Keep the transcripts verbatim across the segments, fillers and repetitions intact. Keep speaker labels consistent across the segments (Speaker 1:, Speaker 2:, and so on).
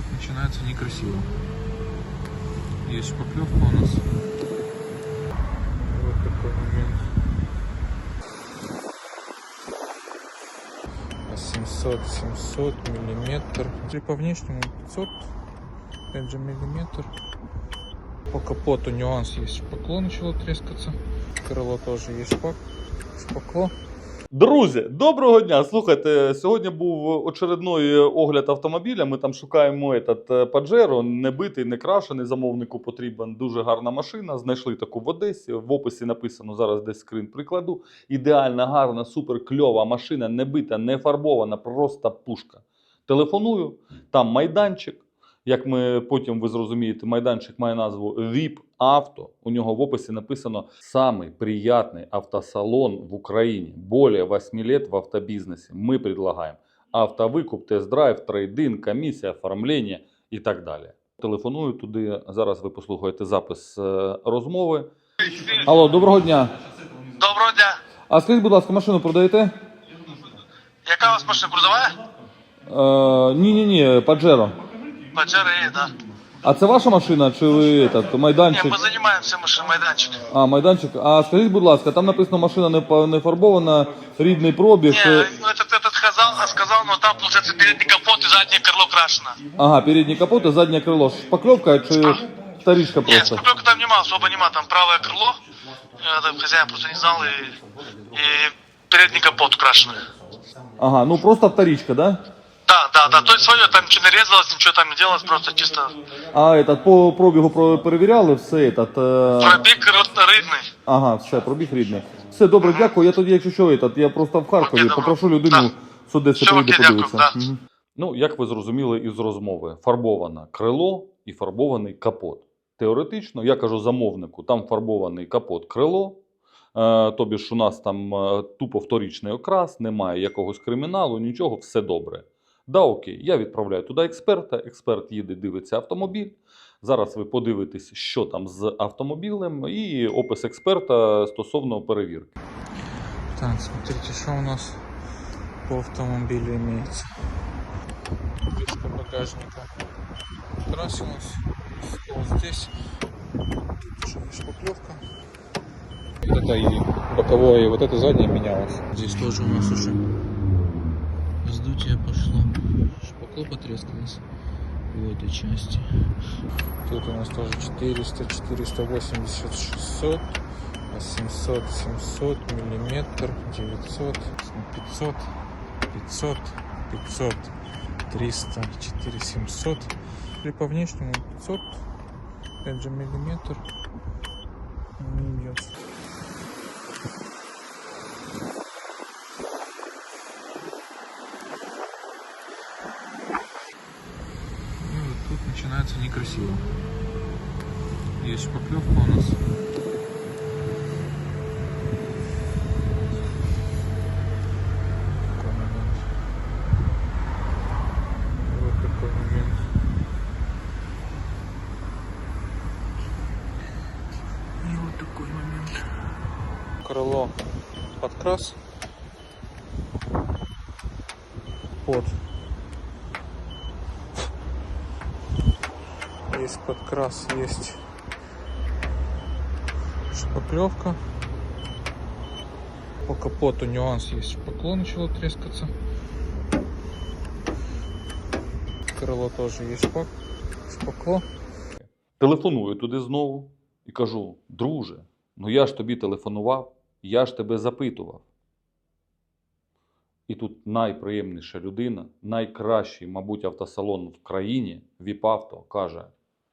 Speaker 1: тут начинается некрасиво. Есть шпаклевка у нас. Вот такой момент. семьсот семьсот миллиметр. И по внешнему пятьсот, опять же, миллиметр. По капоту нюанс есть. Шпакло начало трескаться. Крыло тоже есть шпак. Шпакло.
Speaker 2: Друзі, доброго дня! Слухайте, сьогодні був очередний огляд автомобіля. Ми там шукаємо этот Pajero, не битий, не крашений, замовнику потрібен. Дуже гарна машина. Знайшли таку в Одесі. В описі написано, зараз десь скрін прикладу. Ідеальна, гарна, супер кльова машина, не бита, не фарбована, просто пушка. Телефоную, там майданчик. Як ми потім ви зрозумієте, майданчик має назву ві ай пі Авто. У нього в описі написано «Самый приятный автосалон в Украине. Более восьми лет в автобизнесе. Мы предлагаем автовикуп, тест-драйв, трейд-ин, комісія, оформлення» і так далі. Телефоную туди. Зараз ви послухаєте запис розмови. Алло, доброго дня.
Speaker 3: Доброго дня.
Speaker 2: А скажіть, будь ласка, машину продаєте?
Speaker 3: Яка у вас машина продаває?
Speaker 2: Е, ні-ні-ні, Pajero.
Speaker 3: Pajero є, да.
Speaker 2: А це ваша машина чи ви этот, майданчик?
Speaker 3: Ні, ми займаємося машин майданчик.
Speaker 2: А, майданчик. А скажіть, будь ласка, там написано машина не, по- не фарбована, рідний пробіг.
Speaker 3: Не, ну этот, этот сказал, сказал, но там, получается, передний капот и заднее крыло крашено.
Speaker 2: Ага, передний капот и заднее крыло. Шпаклевка чи вторичка
Speaker 3: Нет,
Speaker 2: просто?
Speaker 3: спокойно там нема, особо нема, там правое крыло. Это хозяин просто не знал, и, и передний капот крашеный.
Speaker 2: Ага, ну просто вторичка, да?
Speaker 3: Да, да, да, то есть свое, там ничего не резалось, ничего там не делалось, просто чисто
Speaker 2: А этот, по пробігу про- перевіряли все, этот, е...
Speaker 3: пробег рідний.
Speaker 2: ага, все, пробіг рідний. Все, добре, дякую. Я тоді, якщо що, этот, я просто в Харкові,
Speaker 3: Окей, добре.
Speaker 2: попрошу людину,
Speaker 3: Да.
Speaker 2: що десь
Speaker 3: Все,
Speaker 2: прийде
Speaker 3: окей, дякую,
Speaker 2: подивитися.
Speaker 3: да.
Speaker 2: Мгм. Ну, як ви зрозуміли із розмови, фарбоване крило і фарбований капот. Теоретично, я кажу замовнику, там фарбований капот крило, е, тобі ж у нас там е, тупо вторічний окрас, немає якогось криміналу, нічого, все добре. Да, окей, я відправляю туди експерта, експерт їде, дивиться автомобіль. Зараз ви подивитесь, що там з автомобілем і опис експерта стосовно перевірки.
Speaker 1: Так, смотрите, что у нас по автомобилю имеется. Крышка багажника красилась. Стол здесь. Тут уже шпаклевка. Вот это и боковое, и вот это заднее менялось. Здесь тоже у нас уже вздутие пошло. Шпакло потрескалось в этой части. Тут у нас тоже четыреста, четыреста восемьдесят, шестьсот. семьсот, семьсот, миллиметр, девятьсот, пятьсот, пятьсот, пятьсот, триста, четыре, семьсот. Или по внешнему пятьсот, опять же, миллиметр не идет. И вот тут начинается некрасиво. Есть шпаклевка у нас. Крыло подкрас под есть подкрас, есть шпаклевка. По капоту нюанс есть, шпакло начало трескаться. Крыло тоже есть шпак, шпакло.
Speaker 2: Телефоную туди знову і кажу, друже, ну я ж тобі телефонував, я ж тебе запитував. І тут найприємніша людина, найкращий, мабуть, автосалон в країні, ві ай пі Авто, каже.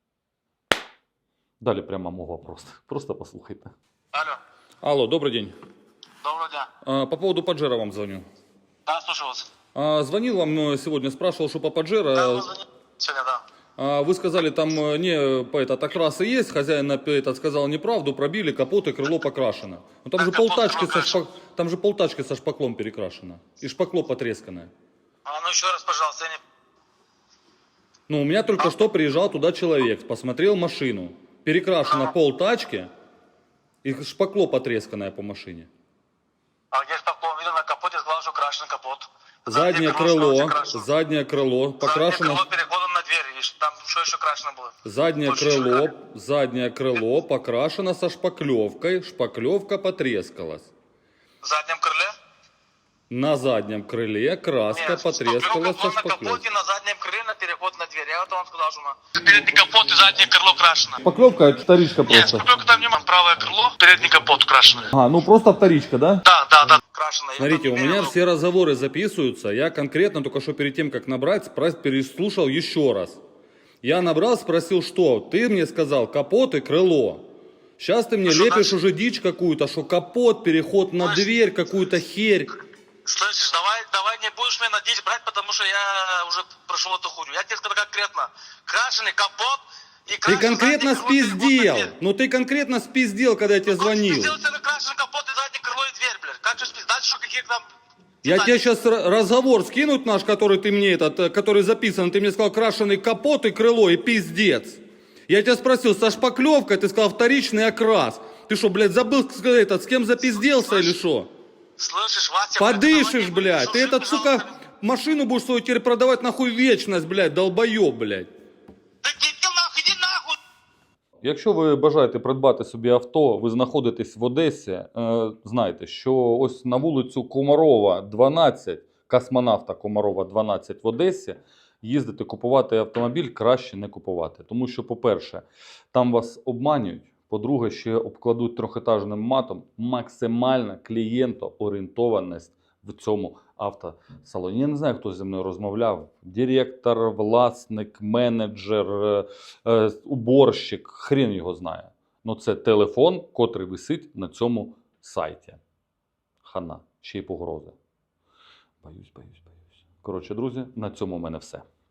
Speaker 2: Далі пряма мова просто. Просто послухайте.
Speaker 3: Алло,
Speaker 2: Алло, добрый день.
Speaker 3: доброго дня.
Speaker 2: А, по поводу Pajero вам звоню.
Speaker 3: Да, слушаю вас.
Speaker 2: А, звонил вам сегодня, спрашивал, что по Pajero.
Speaker 3: Да, вы звонили сегодня, да.
Speaker 2: А, вы сказали, там не по этот окрасы есть, хозяин этот сказал неправду, пробили, капот и крыло покрашено. Но там
Speaker 3: Так
Speaker 2: же
Speaker 3: капот
Speaker 2: полтачки со,
Speaker 3: покрашен.
Speaker 2: шпак... там же полтачки со шпаклом перекрашено. И шпакло потресканное.
Speaker 3: А ну еще раз, пожалуйста, я не...
Speaker 2: Ну, у меня только что приезжал туда человек, посмотрел машину. Перекрашено
Speaker 3: Ага.
Speaker 2: полтачки и шпакло потресканное по машине.
Speaker 3: А где стекло? Видно на капоте, сказал, что крашен капот.
Speaker 2: Заднее
Speaker 3: крыло
Speaker 2: крыло,
Speaker 3: крашено.
Speaker 2: заднее крыло
Speaker 3: Заднее
Speaker 2: покрашено.
Speaker 3: крыло переходом на дверь, видишь? Там що ще крашено було?
Speaker 2: Заднее
Speaker 3: Больше
Speaker 2: крыло,
Speaker 3: шикарно.
Speaker 2: заднее крыло покрашено со шпаклевкой, шпаклевка потрескалась.
Speaker 3: В заднем крыле?
Speaker 2: На заднем крыле краска
Speaker 3: Нет,
Speaker 2: потрескалась со
Speaker 3: шпаклевка была на
Speaker 2: шпаклевкой.
Speaker 3: капоте, на заднем крыле, на переход на дверь. Я вот вам сказал, что на... Передний капот и заднее крыло крашено.
Speaker 2: Шпаклевка это вторичка
Speaker 3: Нет,
Speaker 2: просто.
Speaker 3: шпаклевка там нема. Правое крыло, передний капот крашеный.
Speaker 2: А, ну просто вторичка, да?
Speaker 3: Да, да, да. Крашено. Я
Speaker 2: Смотрите,
Speaker 3: там
Speaker 2: у
Speaker 3: не
Speaker 2: меня
Speaker 3: мерил.
Speaker 2: все разговоры записываются. Я конкретно только что перед тем, как набрать, спра- переслушал еще раз. Я набрал, спросил, что? Ты мне сказал капот и крыло. Сейчас ты мне
Speaker 3: Ну, что
Speaker 2: лепишь
Speaker 3: дальше?
Speaker 2: уже дичь какую-то, что капот, переход на
Speaker 3: Слышь,
Speaker 2: дверь, какую-то херь.
Speaker 3: Слышишь, давай, давай не будешь меня надеть брать, потому что я уже прошел эту хуйню. Я тебе сказал конкретно. Крашеный капот и
Speaker 2: Ты
Speaker 3: крашеный
Speaker 2: конкретно
Speaker 3: задний крыло, переход на
Speaker 2: спиздел.
Speaker 3: дверь.
Speaker 2: Ну ты конкретно спиздел, когда я тебе
Speaker 3: Ну,
Speaker 2: звонил.
Speaker 3: Ты сделал себе крашеный капот и заднее крыло и дверь, блядь. Как же спиздить? Дальше что, какие там...
Speaker 2: Я
Speaker 3: детали?
Speaker 2: тебе сейчас разговор скинуть наш, который ты мне этот, э, который записан. Ты мне сказал крашеный капот и крыло и пиздец. Я тебя спросил, со шпаклевкой, ты сказал вторичный окрас. Ты что, блядь, забыл сказать, этот, с кем запизделся или что?
Speaker 3: Слышишь, Вася,
Speaker 2: Подышишь,
Speaker 3: блядь,
Speaker 2: блядь. Ты этот, сука, машину будешь свою теперь продавать нахуй вечность, блядь, долбоеб, блядь.
Speaker 3: Да иди нахуй, иди нахуй!
Speaker 2: Якщо ви бажаєте придбати собі авто, ви знаходитесь в Одесі, е, знайте, що ось на вулицю Комарова, дванадцять, космонавта Комарова, дванадцять в Одесі, їздити купувати автомобіль краще не купувати. Тому що, по-перше, там вас обманюють, по-друге, ще обкладуть трьохетажним матом, максимальна клієнтоорієнтованість в цьому автосалоні. Я не знаю, хто зі мною розмовляв. Директор, власник, менеджер, е, е, уборщик, хрен його знає. Ну це телефон, котрий висить на цьому сайті. Хана, ще й погрози. Боюсь, боюсь, боюсь. Коротше, друзі, на цьому в мене все.